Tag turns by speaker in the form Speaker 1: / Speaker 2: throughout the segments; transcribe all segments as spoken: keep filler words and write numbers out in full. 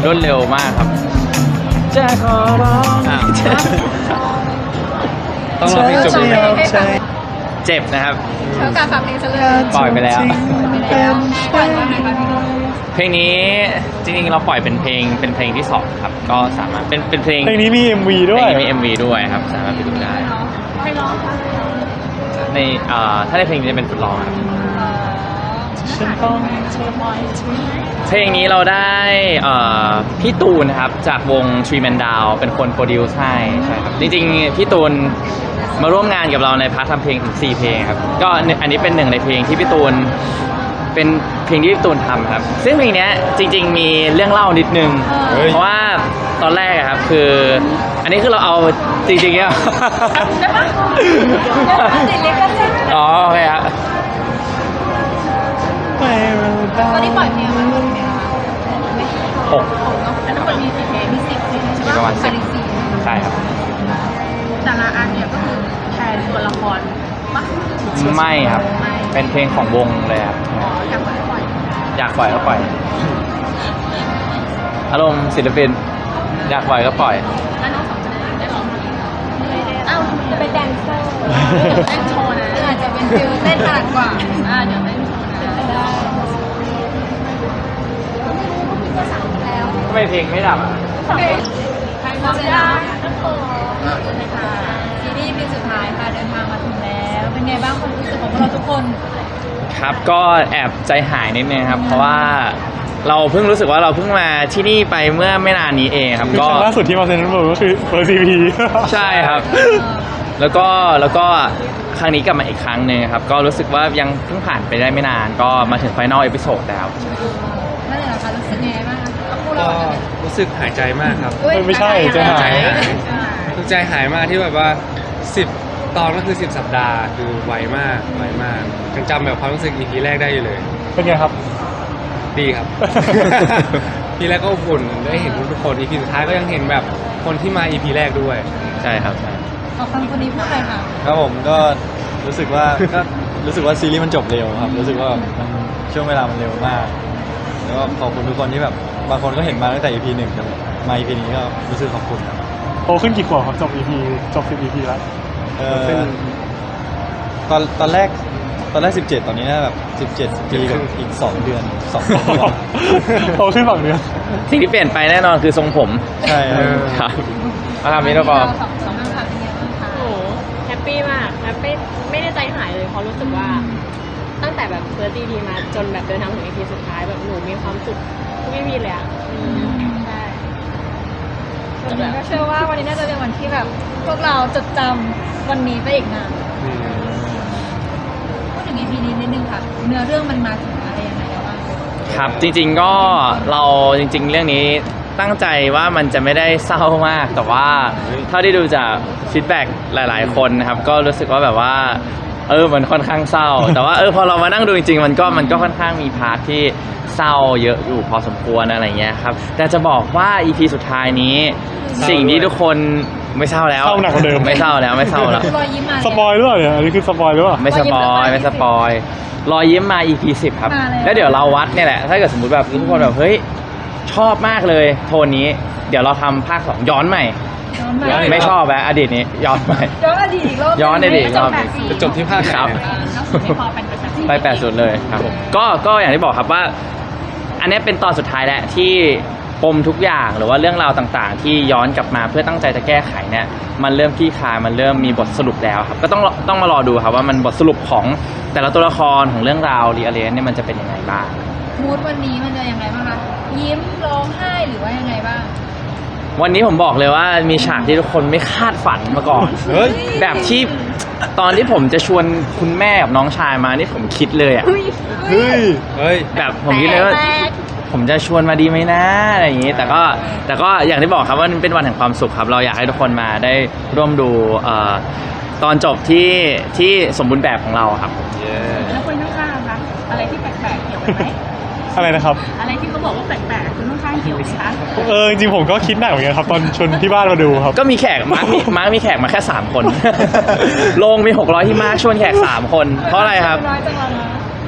Speaker 1: รวดเร็วมากครับจะขอร้องต้องร้องเพลงจบเลยครับเจ็บนะครับ
Speaker 2: เธอกาฝากเพลงซะเลย
Speaker 1: ปล่อยไปแล้ว
Speaker 2: ปล่อยว่าไงคะพี่
Speaker 1: เพลงนี้จริงๆเราปล่อยเป็นเพลงเป็นเพลงที่สองครับก็สามารถเป็นเป็นเพลง
Speaker 3: เพลงนี้มี เอ็ม วี ด้วย
Speaker 1: เพลงนี้มี เอ็ม วี ด้วยครับสามารถไปดูได้
Speaker 2: ใครร้องคะ
Speaker 1: ในถ้าในเพลงนี้จะเป็นฟุตร้องครับเพลงนี้เราได้พี่ตูนนะครับจากวง Three Man Down เป็นคนโปรดิวซ์ให้ใช่ครับจริงๆพี่ตูนมาร่วมงานกับเราในพาร์ททำเพลงถึงสี่เพลงครับก็อันนี้เป็นหนึ่งในเพลงที่พี่ตูนเป็นเพลงที่พี่ตูนทำครับซึ่งเพลงนี้จริงๆมีเรื่องเล่านิดนึงเพราะว่าตอนแรกครับคืออันนี้คือเราเอาจริงๆเนี่ยอ๋อโอเคครับ
Speaker 2: ตอนนี้ปล่อยเพลงมาเป็นไงคะ
Speaker 1: หก
Speaker 2: เนาะแล้วทั้งหมดมีกี่เพลงมีสิบเพลงใช่ไหม
Speaker 1: ประมาณสิบใช่ครับ
Speaker 2: แต่ละอันเนี่ยก็คือแทนตัวละครปะ
Speaker 1: ไม่ครับเป็นเพลงของวงเลยครับ
Speaker 2: อยากปล่อยก็ปล่อย
Speaker 1: อยากปล่อยก็ปล่อยอารมณ์ศิลปินอยากปล่อยก็ปล่อย
Speaker 2: แล้วน้องสองจะได้ร้องเพลงอ้าวจะเป็นแดนเซอร์เต้นโชว์นะอาจจะเป็นฟิลเต้นถนัดกว่าอ่าเดี๋ยวเต้นโชว์นะได้
Speaker 1: ทำไมเพลงไม่ดับอ่ะ
Speaker 2: ใครมาจะได้ก็ขอนะคะซีรีส์ปีสุดท้ายค่ะเดินทางมาถึงแล้วเป็นไงบ้างความรู้สึกของพวกเราทุกคน
Speaker 1: ครับก็แอบใจหายนิดนึงครับเพราะว่าเราเพิ่งรู้สึกว่าเราเพิ่งมาที่นี่ไปเมื่อไม่นานนี้เองครับ
Speaker 3: ก็ล่าสุดที่มาเซ็นทรัลเวิลด์ก็คือเฟิร์ส อี พี
Speaker 1: ใช่ครับแล้วก็แล้วก็ครั้งนี้กลับมาอีกครั้งหนึ่งครับก็รู้สึกว่ายังเพิ่งผ่านไปได้ไม่นานก็มาถึงไฟนอลเอพิโซดแล้ว
Speaker 2: นั่นแหละค่ะรู้สึกไงบ้าง
Speaker 4: ก็รู้สึกหายใจมากครับ
Speaker 3: ไม่ใช่ใจหาย
Speaker 4: รู้ใจหายมากที่แบบว่าสิบตอนก็คือสิบสัปดาห์คือไวมากไวมากยังจำแบบความรู้สึก อี พี แรกได้อยู่เลย
Speaker 3: เป็นไงครับ
Speaker 4: ดีครับ ทีแรกก็อุ่นได้เห็นทุกคน อี พี สุดท้ายก็ยังเห็นแบบคนที่มา อี พี แรกด้วย
Speaker 1: ใช่ครับ
Speaker 2: ขอฟังคนนี้พูดเลยค่ะ
Speaker 5: ครับผมก็รู้สึกว่าก็รู้สึกว่าซีรีส์มันจบเร็วครับรู้สึกว่ามันช่วงเวลามันเร็วมากแล้วก็ขอบคุณทุกคนที่แบบบางคนก็เห็นมาตั้งแต่ อี พี หนึ่งจนมา อี พี นี้ก็รู้สึกขอบคุณครับ
Speaker 3: โตขึ้นกี่ขวบครับจบ อี พีจบสิบ อี พี แล้ว
Speaker 5: เออตอนตอนแรกตอนแรกสิบเจ็ดตอนนี้น่าแบบสิบเจ็ดปีกับอีกสองเดือนสองปี
Speaker 3: โตขึ้นสองเดือน
Speaker 1: สิ่งที่เปลี่ยนไปแน่นอนคือทรงผม
Speaker 5: ใช่
Speaker 1: ครับอาทำนี้แล้วก็
Speaker 2: สองคำถามเป็นไงบ้างคะ
Speaker 6: โอ้แฮปปี้มากแฮปปี้ไม่ได้ใจหายเลยเพราะรู้สึกว่าตั้งแต่แบบเฟิร์ส อี พี มาจนแบบเดินทางถึง อี พี สุดท้ายแบบหนูมีความสุขทุก อี พี เลยอ่ะ
Speaker 2: ใช่วันนี้ก็เชื่อว่าวันนี้น่าจะเป็นวันที่แบบพวกเราจดจำวันนี้ไปอีกนานพูดถึง อี พี นี้นิดนึงค่ะเนื้อเรื่องมันมาถึงอะไรยังไงแล้วบ้าง
Speaker 1: ครับจริงๆก็เราจริงๆเรื่องนี้ตั้งใจว่ามันจะไม่ได้เศร้ามากแต่ว่าเท่าที่ดูจากฟีดแบ็กหลายๆคนนะครับก็รู้สึกว่าแบบว่าเออมันค่อนข้างเศร้าแต่ว่าเออพอเรามานั่งดูจริงๆมันก็มันก็ค่อนข้างมีพาร์ทที่เศร้าเยอะอยู่พอสมควรอะไรเงี้ยครับแต่จะบอกว่า อี พี สุดท้ายนี้สิ่งที่ทุกคนไม่เศร้าแล้ว
Speaker 3: เศร้าหนักกว่าเดิม
Speaker 1: ไม่เศร้าแล้วไม่เศร้าแล้ว
Speaker 3: สปอยหรือเปล่าเนี่ยอันนี้คือสปอยหรือเปล่า
Speaker 1: ไม่สปอยไม่สปอยรอยยิ้มมา อี พี สิบครับแล้วเดี๋ยวเราวัดเนี่ยแหละถ้าเกิดสมมติแบบทุกคนแบบเฮ้ยชอบมากเลยโทนนี้เดี๋ยวเราทำภาคสองย้อนใหม่ไม่ชอบแบบอดีตนี้ย้อนใหม่
Speaker 2: ย้อนอดีตอีกรอบ
Speaker 1: ย้อนอดีตรอบ
Speaker 4: จะจบที่ภาคไหน
Speaker 1: ไปแปดสุดเลยครับก็ก็อย่างที่บอกครับว่าอันนี้เป็นตอนสุดท้ายแล้วที่ปมทุกอย่างหรือว่าเรื่องราวต่างๆที่ย้อนกลับมาเพื่อตั้งใจจะแก้ไขเนี่ยมันเริ่มคลี่คลายมันเริ่มมีบทสรุปแล้วครับก็ต้องต้องมารอดูครับว่ามันบทสรุปของแต่ละตัวละครของเรื่องราวรีอเลนเนี่ยมันจะเป็นยังไงบ้าง
Speaker 2: มูดวันนี้มันจะยังไงบ้างคะยิ้มร้องไห้หรือว่ายังไงบ้าง
Speaker 1: วันนี้ผมบอกเลยว่ามีฉากที่ทุกคนไม่คาดฝันมาก่อนแบบที่ตอนที่ผมจะชวนคุณแม่กับน้องชายมานี่ผมคิดเลยอ่ะ
Speaker 3: เฮ้ย
Speaker 1: เฮ้ยแบบผมคิดเลยว่าผมจะชวนมาดีไหมนะอะไรอย่างนี้แต่ก็แต่ก็อย่างที่บอกครับว่าเป็นวันแห่งความสุขครับเราอยากให้ทุกคนมาได้ร่วมดูตอนจบที่ที่สมบูรณ์แบบของเราครับ
Speaker 2: แล้วคนข้างๆคะอะไรที่แปลกๆเกี่ยวกันไหม
Speaker 3: อะไรนะครับ
Speaker 2: อะไรที่เขาบอกว่าแปลกๆคุณข้างๆเกี่ยวไหมคะ
Speaker 3: เออจริงๆผมก็คิดหนักเหมือนกันครับตอนชวนที่บ้านมาดูครับ
Speaker 1: ก็มีแขกมาร์คมาร์คมีแขกมาแค่สามคนโรงมีหกร้อยที่มาร์คชวนแขกสามคนเพราะอะไรครับ
Speaker 2: น้อยจังเลยนะ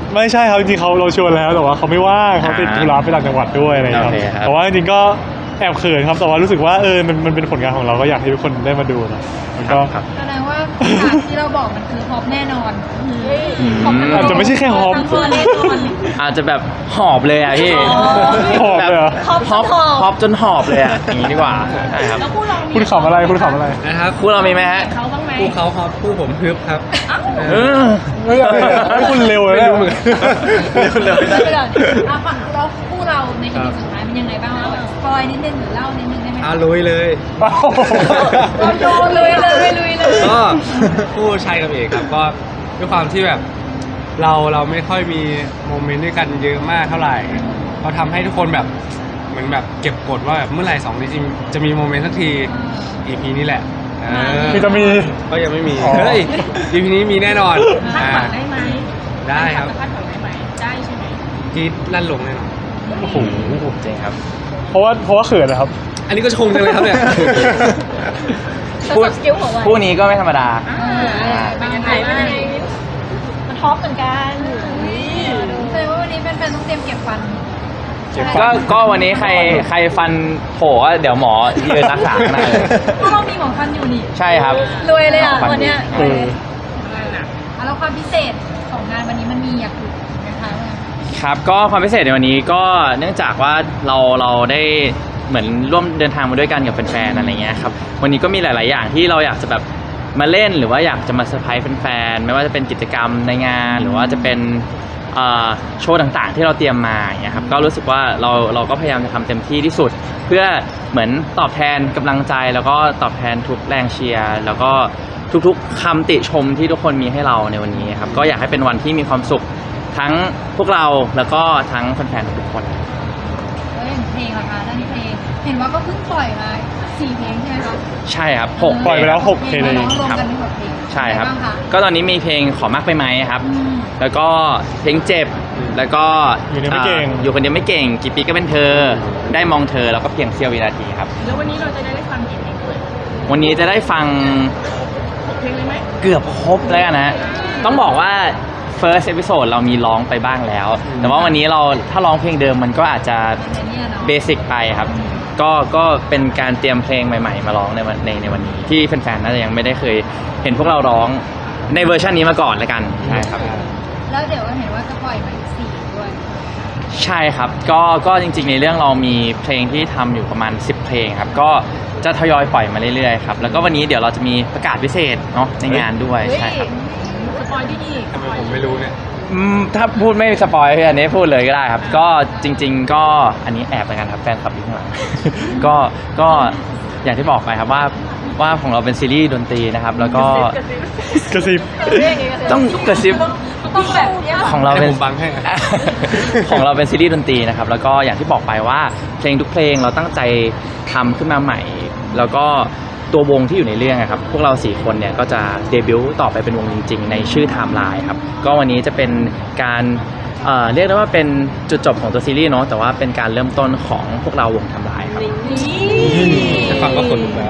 Speaker 3: ไม่ใช่ครับจริงๆเขาเราชวนแล้วแต่ว่าเขาไม่ว่างเขาติดธุระไปต่างจังหวัดด้วยอะไรอย่างเงี้ย
Speaker 1: โอเคครับ
Speaker 3: แต่ว่าจริงๆก็แอบเขินครับแต่ว่ารู้สึกว่าเออมันมันเป็นผลงานของเราก็อยากให้ทุกคนได้มาดูนะมันก็
Speaker 1: ครับ
Speaker 2: แสดงว่าฉากที่เราบอกมันคือฮอปแน่นอนฮอปแน่นน
Speaker 3: อาจจะไม่ใช่แค่ฮอป
Speaker 2: ทั้งตัวแน่นอน
Speaker 1: อาจจะแบบหอบเลยอ่ะพี่
Speaker 3: หอบเลยเหรอ
Speaker 1: ฮอปฮอปฮอปจนหอบเลยอ่ะอย่างนี้ดีกว่าใช่ครับ
Speaker 2: แล้วคู่เรามี
Speaker 3: คุณขำอะไรคุณขำอะไร
Speaker 4: นะครับ
Speaker 1: คู่เรามีไหมฮะ
Speaker 2: เขาบ้างไหม
Speaker 4: คู่เขาฮอปคู่ผมฮึบครับ
Speaker 1: เออ
Speaker 3: ไม่เอาเลยให้คุณเร็วเลย
Speaker 4: ไม่รู้เหมือนกัน
Speaker 5: เร็วเร็ว
Speaker 2: เดี๋ยวก่อนเอาฝั่งเราคู่เราในอีพีสุดท้ายเป็นยังไงบ้างคะแบบสปอยนิดนึงหรือเล่านิดนึงได้ไหม
Speaker 4: อาลุยเลย
Speaker 2: เราโยนเลยเลยลุยเลย
Speaker 4: ก็คู่ชายกับเอกครับก็ด้วยความที่แบบเราเราไม่ค่อยมีโมเมนต์ด้วยกันเยอะมากเท่าไหร่เขาทำให้ทุกคนแบบเหมือนแบบเก็บกดว่าแบบเมื่อไหร่สองนี้จริงจะมีโมเมนต์สักที อี พี นี้แหละเออ
Speaker 3: คือจะมี
Speaker 4: ก็ยังไม่มี
Speaker 3: อ๋อ
Speaker 4: เฮ้ย อี พี นี้มีแน่นอน
Speaker 2: คาด
Speaker 4: อ่า
Speaker 2: หวังได้ไหม
Speaker 4: ได้ครับ
Speaker 2: คาดหวังได้ไหมได้ใช่ไหม
Speaker 4: กรีดลั่นลงแน่นอน
Speaker 3: โอ้โห
Speaker 1: จริงครับ
Speaker 3: เพราะว่าเพราะว่าเขินนะครับ
Speaker 4: อันนี้ก็ชงกันเลยครับเนี่ย
Speaker 2: พูดสกิลของวัน
Speaker 1: คู่นี้ก็ไม่ธรรมดา
Speaker 2: เป็นยังไงเป็นยังไงมันท็อปเหมือนกันแสดงว่าวันนี้แฟนๆต้องเตรียมเก็บฟัน
Speaker 5: เจ็บ
Speaker 1: ก็ก็วันนี้ใครใครฟันโผล่ก็เดี๋ยวหมอยืนรักษาข้างหน้าเลย
Speaker 2: เพราะเรามีหมอฟันอยู่นี่
Speaker 1: ใช่ครับ
Speaker 2: รวยเลยอ่ะ
Speaker 1: ฟัน
Speaker 2: วันเนี้ย
Speaker 3: เออ
Speaker 2: อ่ะแล้วความพิเศษของงานวันนี้มันมีอยากดูนะคะ
Speaker 1: ครับก็ความพิเศษในวันนี้ก็เนื่องจากว่าเราเราได้เหมือนร่วมเดินทางมาด้วยกันกับแฟนๆอะไรเงี้ยครับวันนี้ก็มีหลาย ๆ อย่างที่เราอยากจะแบบมาเล่นหรือว่าอยากจะมาเซอร์ไพรส์แฟนๆไม่ว่าจะเป็นกิจกรรมในงาน หรือว่าจะเป็นเอ่อโชว์ต่างๆ ที่เราเตรียมมาอย่างเงี้ยครับก็รู้สึกว่าเราเราก็พยายามจะทำเต็มที่ที่สุด เพื่อเหมือนตอบแทนกำลังใจแล้วก็ตอบแทนทุกแรงเชียร์แล้วก็ทุกๆคำติชมที่ทุกคนมีให้เราในวันนี้ครับก็อยากให้เป็นวันที่มีความสุขทั้งพวกเราแล้วก็ทั้งแฟนๆทุกคน
Speaker 2: แล้วอย่างเพลงล่ะคะด้านนี้เพลง เห็นว่าก็เพิ่งปล่อยมาสี่เพลงใช่ไหมคะ
Speaker 1: ใช่ครับหก
Speaker 3: ปล่อยไปแล้วหกเพลง
Speaker 2: ร้
Speaker 3: เล
Speaker 2: อย งรวมกันเป็นหกเพลง
Speaker 1: ใช่ครับ
Speaker 2: เป็นไงางคะ
Speaker 1: ก็ตอนนี้มีเพลงขอมากไปไหมครับ
Speaker 2: อืม
Speaker 1: แล้วก็เพลงเจ็บ แล้วก็
Speaker 3: อยู่คนเดียวไม่เก่ง
Speaker 1: อ่าอยู่คนเดียวไม่เก่ง กี่ปีก็เป็นเธอ ได้มองเธอ แล้วก็เพียงเสี้ยววินาทีครับ
Speaker 2: แล้ววันนี้เราจะได้ฟังกี่เพลงเลย
Speaker 1: วันนี้จะได้ฟัง
Speaker 2: เพลงเลยไหม
Speaker 1: เกือบครบแล้วกันนะ ต้องบอกว่า first episode เรามีร้องไปบ้างแล้ว แต่ว่าวันนี้เราถ้าร้องเพลงเดิมมันก็อาจจะ
Speaker 2: เป็นเนี่ยเนาะ
Speaker 1: เบสิกไปครับ ก็ก็เป็นการเตรียมเพลงใหม่ ๆ มาร้องในวันในในวันนี้ ที่แฟนๆน่าจะยังไม่ได้เคยเห็นพวกเราร้องในเวอร์ชันนี้มาก่อนแล้วกันใช่ครับ
Speaker 2: แล้วเดี๋ยวเห็นว่าจะปล่อยมาอีกสี่ด้วย
Speaker 1: ใช่ครับ ก็ก็จริงๆในเรื่องเรามีเพลงที่ทำอยู่ประมาณสิบเพลงครับ ก็จะทยอยปล่อยมาเรื่อยๆครับ แล้วก็วันนี้เดี๋ยวเราจะมีประกาศพิเศษเนาะในงานด้วย
Speaker 2: เฮ้ย
Speaker 1: ใช่ครับ
Speaker 2: สปอยดีดี
Speaker 4: ทำไมผมไม่รู้เนี่ย
Speaker 1: อืมถ้าพูดไม่สปอยอันนี้พูดเลยก็ได้ครับ ก็จริง ๆ ก็อันนี้แอบแล้วกันครับแฟนคลับอยู่ข้างหลัง ก็ก็อย่างที่บอกไปครับว่าว่าของเราเป็นซีรีส์ดนตรีนะครับ แล้วก็
Speaker 3: กระซิบ
Speaker 1: ต้องกระซิบ
Speaker 2: ต้องแบบเนี้ย
Speaker 1: ของเราเป็น
Speaker 4: ให้ผมบังให้อะ
Speaker 1: ของเราเป็นซีรีส์ดนตรีนะครับ แล้วก็อย่างที่บอกไปว่าเพลงทุกเพลงเราตั้งใจทำขึ้นมาใหม่ แล้วก็ตัววงที่อยู่ในเรื่องอะครับ พวกเราสี่คนเนี่ยก็จะเดบิวต์ต่อไปเป็นวงจริง ๆ ในชื่อไทม์ไลน์ครับ ก็วันนี้จะเป็นการเอ่อเรียกได้ว่าเป็นจุดจบของตัวซีรีส์เนาะ แต่ว่าเป็นการเริ่มต้นของพวกเราวงไทม์ไลน์ครับ
Speaker 4: แค่ฟังก็ขนลุกแล้ว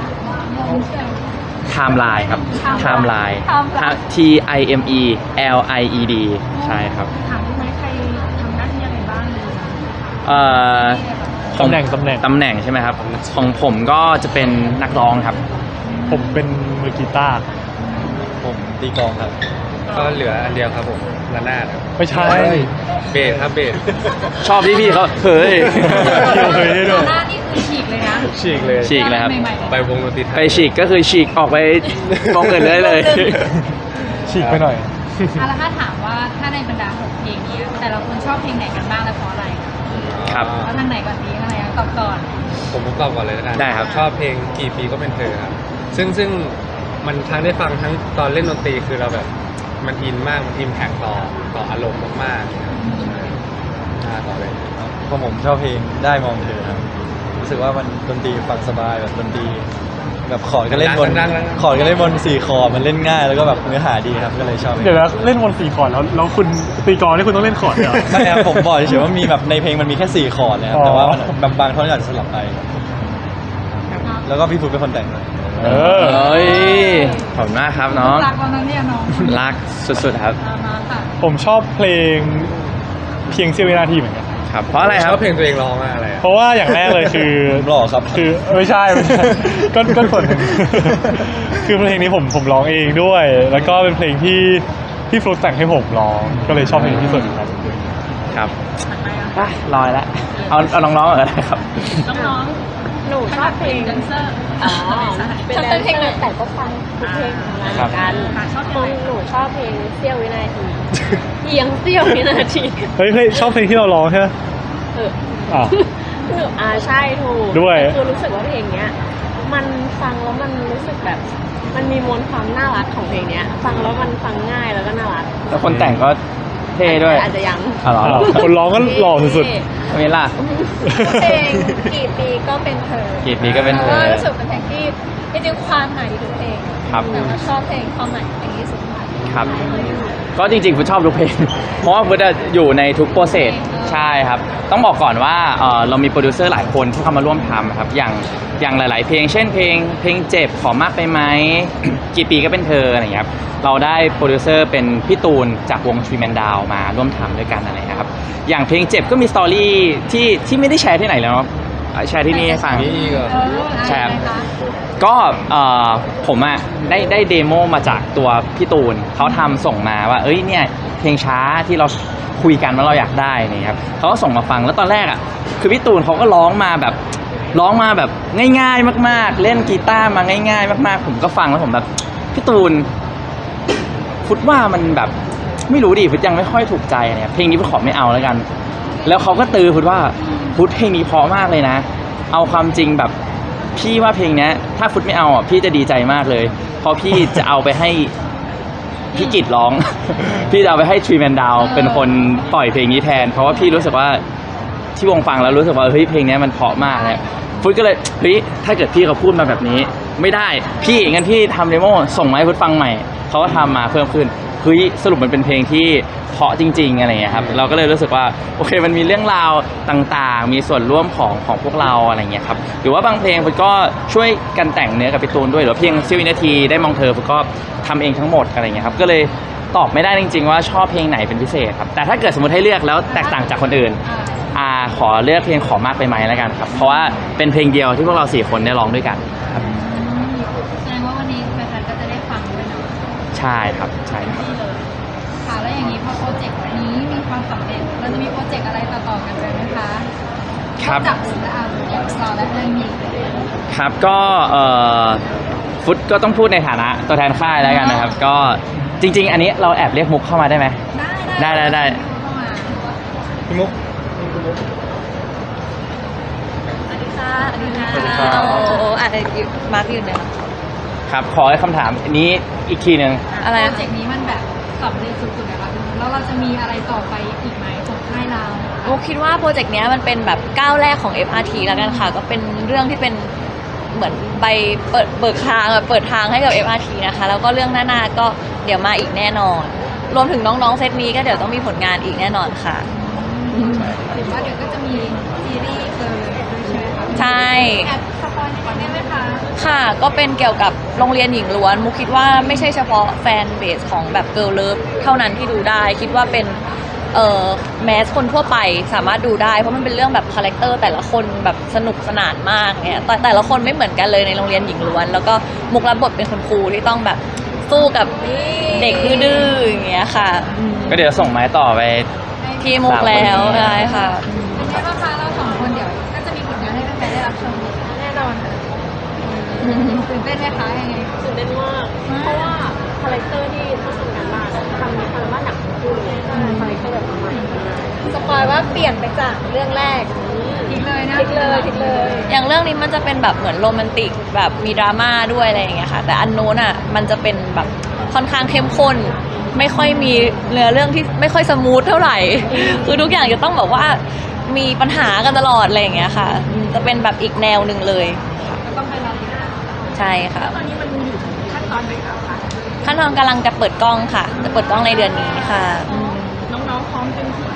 Speaker 1: ไทม์ไลน์ครับไทม์ไลน์
Speaker 2: Timeline
Speaker 1: T I M E L I E D ใช่ครับ
Speaker 2: ถามได้ไหมใครทำหน้าที่อะไรบ้างเลย
Speaker 1: เอ่อ
Speaker 3: ตำแหน่งตำแหน่ง
Speaker 1: ตำแหน่งใช่ไหมครับ ของผมก็จะเป็นนักร้องครับ
Speaker 3: ผมเป็นมือกีตาร์
Speaker 5: ผมตีกลองครับ
Speaker 4: ก็เหลืออันเดียวครับผมระนาดครับ
Speaker 3: ไม่ใช่
Speaker 4: เบสครับเบส
Speaker 1: ชอบที่พี่เขาเฮ้ย
Speaker 3: เกี่ยวเคยได้ด้วย
Speaker 2: หน้านี่คือฉีกเลยนะ
Speaker 4: ฉีกเลย
Speaker 1: ฉีกเลยครับ
Speaker 2: ใหม่ๆ
Speaker 4: ไปวงดนตรีไทย
Speaker 1: ไปฉีกก็คือฉีกออกไปมองเกินได้เลย
Speaker 3: ฉีกไปหน่อย
Speaker 2: อ่ะแล้วถ้าถามว่าถ้าในบรรดาหกเพลงนี้แต่ละคนชอบเพลงไหนกันบ้างและเพราะอะไร
Speaker 1: ครับ
Speaker 2: เอาทางไหนก่อนดีทางไหนก่อนตอบก่อน
Speaker 4: ผมตอบก่อนเลยแล้วกัน
Speaker 1: ได้ครับ
Speaker 4: ชอบเพลงกี่ปีก็เป็นเธอครับ ซึ่งซึ่งมันทั้งได้ฟังทั้งตอนเล่นดนตรีคือเราแบบ มันอินมากมันอิมแพคต่อต่ออารมณ์มากๆนะครับอ่าต่อเลย
Speaker 5: เพราะผมชอบเพลงได้มองเธอครับรู้สึกว่ามันดนตรีฟังสบายแบบดนตรีแบบคอร์ดก็เล่นบน
Speaker 4: ดังๆๆ
Speaker 5: คอร์ดก็เล่นบนสี่คอร์ดมันเล่นง่ายแล้วก็แบบเนื้อหาดีครับก็เลยชอบเพลง
Speaker 3: เดี๋ยวนะเล่นวนสี่คอร์ดแล้วแล้วคุณตีกลองนี่คุณต้องเล่นคอร์ดเหรอ
Speaker 5: ไม่ครับผมบอกเฉยๆว่ามีแบบในเพลงมันมีแค่สี่คอร์ดนะครับ
Speaker 3: อ๋อ
Speaker 5: แต่ว่ามันบางบางท่อนอาจจะสลับไป แล้วก็พี่ฟุตเป็นคนแต่งด้วย
Speaker 3: เออ
Speaker 1: เฮ้ยขอบคุณมากครับน้อง
Speaker 2: รักวันนั้นเนี่ยน้อง
Speaker 1: รักสุดๆครับ
Speaker 2: มาค่ะ
Speaker 3: ผมชอบเพลงเพียงเสี้ยววินาทีเหมือนกัน
Speaker 1: ครับ เพราะอะไรค
Speaker 4: ช
Speaker 1: รับ
Speaker 4: อบเพลงตัวเองร้องมากเลยอะ
Speaker 3: เพราะว่าอย่างแรกเลยคือ
Speaker 5: ผมหล่อครับ
Speaker 3: คือไม่ใช่ไม่ใช่ก็ก็ส่วนหนึ่ง คือเพลงนี้ผมผมร้องเองด้วย แล้วก็เป็นเพลงที่พี่ฟลุ๊กแต่งให้ผมร้อง ก็เลยชอบเพลงนี้ที่สุดครับ
Speaker 1: ครับไปลอยแล้วเอาเอาน้องๆก่อนก็ได้ครับ
Speaker 2: น้อง
Speaker 6: หนูชอบเพลง
Speaker 2: แดนเซอร์
Speaker 6: อ๋อเป็นแดนเซอร์แต่ก็ฟังทุกเพลงของเราเหมือนกัน
Speaker 2: ชอบเพ
Speaker 6: ข
Speaker 2: ล
Speaker 6: อง
Speaker 2: ง
Speaker 6: หนูชอบเพลงเสี้ยววินาทีเพียงเสี้ยววินาที
Speaker 3: เฮ้ยเพลงชอบเพลงที่เราร้องใช่ไหม
Speaker 6: เออ
Speaker 3: อ้าว
Speaker 6: หนูอ่าใช่ถูก
Speaker 3: ด้วย
Speaker 6: คือรู้สึกว่าเพลงเนี้ย มันฟังแล้วมันรู้สึกแบบ มันมีมวลความน่ารักของเพลงเนี้ย ฟังแล้วมันฟังง่ายแล้วก็น่ารัก
Speaker 1: แล้วคนแต่งก็เท่ด้วย
Speaker 6: อาจจะยัง
Speaker 1: อ๋อเหรอ
Speaker 3: อ้าวคนร้องก็หล่อสุด
Speaker 1: ไม่ล่ะ
Speaker 2: เพลงกี่ปีก็เป็นเธอ
Speaker 1: กี่ปีก็เป็นเธอ
Speaker 2: ก็รู้สึกเป็นเพลงที่จริงๆความหมายดีทุกเพลง
Speaker 1: ครับ
Speaker 2: แต่ว่าชอบเพลงความหมายเพลงที่สุดท้าย
Speaker 1: ครับ ก็จริงๆฟุตชอบทุกเพลง เพราะว่าฟุตอะอยู่ในทุกโปรเซสใช่ครับ ต้องบอกก่อนว่าเอ่อเรามีโปรดิวเซอร์หลายคนที่เข้ามาร่วมทำครับ อย่างอย่างหลาย ๆ เพลง เช่นเพลงเพลงเจ็บขอมากไปไหม กี่ปีก็เป็นเธออะไรอย่างเงี้ยครับ เราได้โปรดิวเซอร์เป็นพี่ตูนจากวงทรีแมนดาวมาร่วมทำด้วยกันอะไรนะครับ อย่างเพลงเจ็บก็มีสตอรี่ที่ที่ไม่ได้แชร์ที่ไหนแล้วเนาะแชร์ที่นี่ให้ฟัง
Speaker 4: นี่อีกเหรอ
Speaker 2: เออ
Speaker 1: ใช่ครับ
Speaker 2: อะไรคะ
Speaker 1: ก็เอ่อผมอะได้ได้เดโมมาจากตัวพี่ตูนเขาทำส่งมาว่า เอ้ยเนี่ยเพลงช้าที่เราคุยกันว่าเราอยากได้นี่ครับเขาก็ส่งมาฟังแล้วตอนแรกอะคือพี่ตูนเขาก็ร้องมาแบบร้องมาแบบง่ายๆมากๆ เล่นกีตาร์มาง่าย ๆ มากๆ ผมก็ฟังแล้วผมแบบพี่ตูนฟุตว่ามันแบบไม่รู้ดิฟุตยังไม่ค่อยถูกใจเนี่ยเพลงนี้ฟุตขอไม่เอาแล้วกัน แล้วเขาก็ตือฟุตว่าฟุตเพลงนี้เพราะมากเลยนะ เอาความจริงแบบพี่ว่าเพลงเนี้ยถ้าฟุตไม่เอาอ่ะพี่จะดีใจมากเลย เพราะพี่จะเอาไปให้พี่กิตร้อง พี่จะเอาไปให้ทรีแมนดาวเป็นคนปล่อยเพลงนี้แทน เพราะว่าพี่รู้สึกว่าที่วงฟังแล้วรู้สึกว่าเฮ้ยเพลงเนี้ยมันเพราะมากเลยฟุตก็เลยเฮ้ยถ้าเกิดพี่เขาพูดมาแบบนี้ ไม่ได้พี่งั้นพี่ทำเดโมส่งมาให้ฟุตฟังใหม่เขาก็ทำมาเพิ่มขึ้นเฮ้ยสรุปมันเป็นเพลงที่เพราะจริงๆอะไรอย่างเงี้ยครับเราก็เลยรู้สึกว่าโอเคมันมีเรื่องราวต่างๆ มีส่วนร่วมของของพวกเราอะไรอย่างเงี้ยครับหรือว่าบางเพลงฟุตก็ช่วยกันแต่งเนื้อกับพี่ตูนด้วยหรือว่าเพลงเสี้ยววินาทีได้มองเธอฟุตก็ทำเองทั้งหมดอะไรอย่างเงี้ยครับก็เลยตอบไม่ได้จริงๆว่าชอบเพลงไหนเป็นพิเศษครับแต่ถ้าเกิดสมมติให้เลือกแล้วแตกต่างจากคนอื่นอ่าขอเลือกเพลงขอมากไปไหมแล้วกันครับเพราะว่าเป็นเพลงเดียวที่พวกเราสี่คนได้ร้องด้วยกันครับ
Speaker 2: แสดงว่าวันนี้แฟนๆก็จะได้ฟังด้วยเนาะ
Speaker 1: ใช่ครับใช่ครับ
Speaker 2: นี่เลยค่ะแล้วอย่างนี้พอโปรเจกต์นี้มีความสำเร็จเราจะมีโปรเจกต์อะไรต่อๆกันไปไหมคะ
Speaker 1: ครับ
Speaker 2: จากศิลปะอย่างสตาร์และเรื่องนี้
Speaker 1: ครับก็เอ่อฟุตก็ต้องพูดในฐานะตัวแทนค่ายแล้วกันนะครับ ก็จริง ๆ อันนี้เราแอบเรียกมุกเข้ามาได้ไหม
Speaker 2: ได้
Speaker 1: ได้ได้ได้
Speaker 2: เข้ามา
Speaker 4: พี่มุก
Speaker 2: สวัสดีค่ะสวัสดีค่ะ
Speaker 1: สวัสดีครับ
Speaker 2: โอ้โหอาจจะอยู่มาร์กอยู่เนี่ย
Speaker 1: ครับขอให้คำถามอันนี้อีกทีหนึ่ง
Speaker 2: อะไรโปรเจกต์นี้มันแบบสำเร็จสุดๆนะคะแล้วเราจะมีอะไรต่อไปอีกไหมของค่ายเรา
Speaker 7: โมคิดว่าโปรเจกต์เนี้ยมันเป็นแบบก้าวแรกของ เอฟ อาร์ ที แล้วกันค่ะ ก็เป็นเรื่องที่เป็นเหมือนใบเปิดเบิกทางแบบเปิดทางให้กับ เอฟ อาร์ ที นะคะ แล้วก็เรื่องหน้าๆก็เดี๋ยวมาอีกแน่นอน รวมถึงน้องๆเซตนี้ก็เดี๋ยวต้องมีผลงานอีกแน่นอนค่ะ
Speaker 2: หรือว่าเดี๋ยวก็จะมีซีรีส์เลยด้วยใช่ไหมคะ
Speaker 7: ใช่
Speaker 2: แอบสปอยนิดนึงได้ไหมคะ
Speaker 7: ค่ะก็เป็นเกี่ยวกับโรงเรียนหญิงล้วนมุกคิดว่าไม่ใช่เฉพาะแฟนเบสของแบบเกิร์ลเลิฟเท่านั้นที่ดูได้ คิดว่าเป็นเอ่อแมสคนทั่วไปสามารถดูได้เพราะมันเป็นเรื่องแบบคาแรคเตอร์แต่ละคนแบบสนุกสนานมากเนี่ยแต่แต่ละคนไม่เหมือนกันเลยในโรงเรียนหญิงล้วน แล้วก็มุกรับบทเป็นคุณครูที่ต้องแบบสู้กับเด็กดื้อๆอย่างเงี้ยค่ะอืม
Speaker 1: ก็เดี๋ยวส่งไม้ต่อไป
Speaker 7: ที่มุกแล้วใช่ค่ะ
Speaker 2: เป็นไงบ้างคะเราสองคนเดี๋ยวก็จะมีผลงานให้แฟนๆได้รับชมแน่นอนค่ะตื่นเต้นไหมคะยังไง
Speaker 6: ตื่นเต้นมาก เพราะว่าคาแรคเตอร์ที่ต้องทำงานบ้านทำทำงานบ้านหนักทั้งคู่เลยคาแรคเตอร์แบบใหม่
Speaker 2: สปอยว่าเปลี่ยนไปจากเรื่องแรกทิ้งเลยนะทิ้งเลยทิ้งเลย
Speaker 7: อย่างเรื่องนี้มันจะเป็นแบบเหมือนโรแมนติกแบบมีดราม่าด้วยอะไรอย่างเงี้ยค่ะ แต่อันโน้นอ่ะมันจะเป็นแบบค่อนข้างเข้มข้น ไม่ค่อยมีเนื้อเรื่องที่ไม่ค่อยสมูทเท่าไหร่ คือทุกอย่างจะต้องแบบว่ามีปัญหากันตลอดอะไรอย่างเงี้ยค่ะอืมจะเป็นแบบอีกแนวหนึ่งเลย
Speaker 2: ก็ต้องไปรอติดตาม
Speaker 7: ใช่ค่ะ
Speaker 2: ตอนนี้มันอยู่ขั้นตอนไหนแล้วคะ
Speaker 7: ขั้นตอนกำลังจะเปิดกล้องค่ะ จะเปิดกล้องในเดือนนี้ค่ะอืม
Speaker 2: น้องๆพร้อมเต็มที่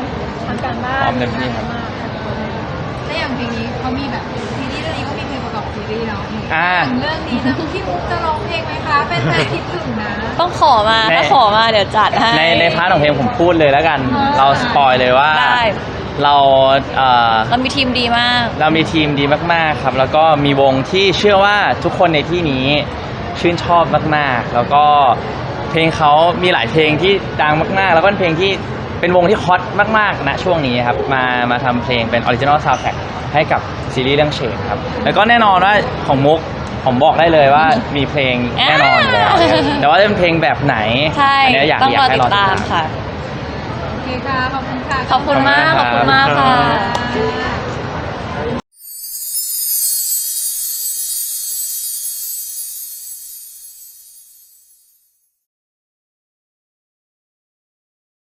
Speaker 2: ทำการบ้าน
Speaker 1: พร้อมเต็มที่ครับ
Speaker 2: แล้วอย่างเพลงนี้เขามีแบบซีรีส์เรื่องนี้ก็มีเพลงประกอบซีรีส์เนาะ
Speaker 1: อ่า
Speaker 2: เรื่องนี้นะพี่มุกจะร้องเพลงไหมคะเป็นแฟนคิดถึงนะ
Speaker 7: ต้องขอมา
Speaker 1: ใน
Speaker 7: ถ้าขอมาเดี๋ยวจัดให้
Speaker 1: ในในพาร์ทของเพลงผมพูดเลยแล้วกัน
Speaker 2: อ่า
Speaker 1: เราสปอยเลยว่า
Speaker 7: ได้
Speaker 1: เราเอ่อ
Speaker 7: เรามีทีมดีมาก
Speaker 1: เรามีทีมดีมากๆครับ แล้วก็มีวงที่เชื่อว่าทุกคนในที่นี้ชื่นชอบมากๆ แล้วก็เพลงเขามีหลายเพลงที่ดังมากๆ แล้วก็เป็นเพลงที่เป็นวงที่ฮอตมากๆณช่วงนี้ครับมามาทำเพลงเป็นออริจินอลซาวด์แทร็กให้กับซีรีส์เรื่องเชดครับแล้วก็แน่นอนว่าของมุกผมบอกได้เลยว่ามีเพลงแน่นอนอยู่แล้วแต่ว่าจะเป็นเพลงแบบไหน
Speaker 7: ใช่
Speaker 1: อันเนี้ยอยาก
Speaker 7: ต้อง
Speaker 1: อยาร ก
Speaker 7: อ
Speaker 1: ให้
Speaker 7: ติ
Speaker 1: รอ
Speaker 7: ด
Speaker 1: ติด
Speaker 7: ตา
Speaker 1: ตาม ม
Speaker 7: ค่ะ
Speaker 2: โอเคค่ะขอบคุณค่ะ
Speaker 7: ขอบคุณมาก ขอบคุณมากค่ะ